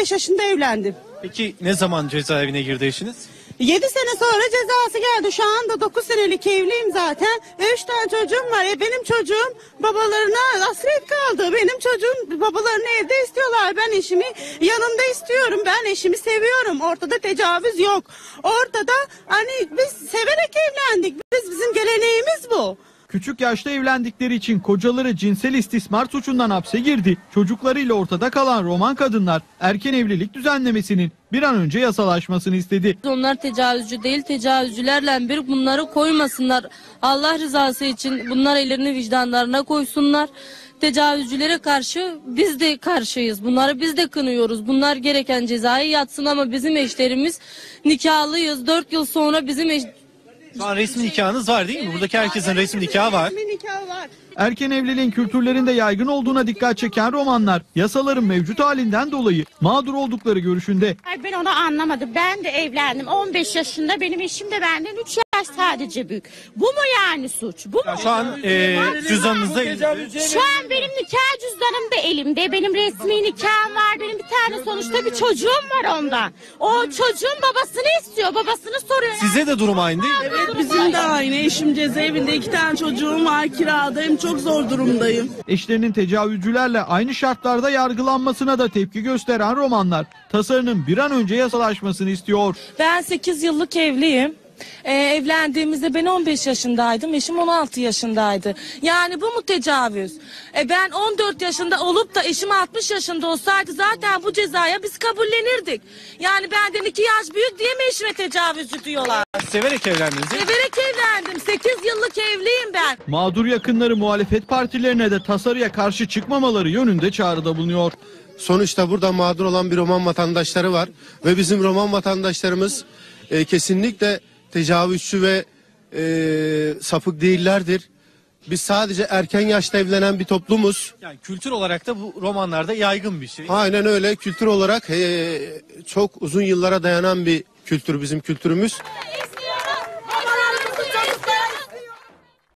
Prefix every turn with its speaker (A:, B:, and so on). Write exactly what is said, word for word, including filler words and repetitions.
A: beş yaşında evlendim.
B: Peki ne zaman cezaevine girdi eşiniz?
A: yedi sene sonra cezası geldi. Şu anda dokuz senelik evliyim zaten. üç tane çocuğum var. E benim çocuğum babalarına hasret kaldı. Benim çocuğum babalarını evde istiyorlar. Ben eşimi yanımda istiyorum. Ben eşimi seviyorum. Ortada tecavüz yok. Ortada hani biz severek evlendik. Biz bizim geleneğimiz bu.
C: Küçük yaşta evlendikleri için kocaları cinsel istismar suçundan hapse girdi. Çocuklarıyla ortada kalan Roman kadınlar erken evlilik düzenlemesinin bir an önce yasalaşmasını istedi.
D: Onlar tecavüzcü değil, tecavüzcülerle bir bunları koymasınlar. Allah rızası için bunlar ellerini vicdanlarına koysunlar. Tecavüzcülere karşı biz de karşıyız. Bunları biz de kınıyoruz. Bunlar gereken cezayı yatsın ama bizim eşlerimiz nikahlıyız. Dört yıl sonra bizim eş...
B: Şu an resmi nikahınız var değil mi? Buradaki herkesin resmi nikahı var.
A: Resmi nikahı var.
C: Erken evliliğin kültürlerinde yaygın olduğuna dikkat çeken romanlar yasaların mevcut halinden dolayı mağdur oldukları görüşünde.
E: Ay ben onu anlamadım. Ben de evlendim. on beş yaşında, benim eşim de benden üç yaş sadece büyük. Bu mu yani suç? Bu mu?
B: Şu an e, cüzdanınızda
E: Şu an benim nikah cüzdanım da elimde. Benim resmi nikahım var. Benim bir tane sonuçta bir çocuğum var ondan. O çocuğun babasını istiyor. Babasını soruyor.
B: size de durum aynı değil mi?
F: Evet, bizim de aynı. Eşim cezaevinde, iki tane çocuğum var, kiradayım, çok zor durumdayım.
C: Eşlerinin tecavüzcülerle aynı şartlarda yargılanmasına da tepki gösteren romanlar tasarının bir an önce yasalaşmasını istiyor.
G: Ben sekiz yıllık evliyim. Ee, evlendiğimizde ben on beş yaşındaydım, eşim on altı yaşındaydı. Yani bu mu tecavüz? E ben on dört yaşında olup da eşim altmış yaşında olsaydı zaten bu cezaya biz kabullenirdik. Yani benden iki yaş büyük diye mi eşime tecavüzcü diyorlar?
B: Severek evlendiniz değil mi?
G: Severek evlendim, sekiz yıllık evliyim ben.
C: Mağdur yakınları muhalefet partilerine de tasarıya karşı çıkmamaları yönünde çağrıda bulunuyor.
H: Sonuçta burada mağdur olan bir Roman vatandaşları var ve bizim Roman vatandaşlarımız e, kesinlikle tecavüzcü ve e, sapık değillerdir. Biz sadece erken yaşta evlenen bir toplumuz.
B: Yani kültür olarak da bu romanlarda yaygın bir şey.
H: Aynen öyle, kültür olarak e, çok uzun yıllara dayanan bir kültür bizim kültürümüz.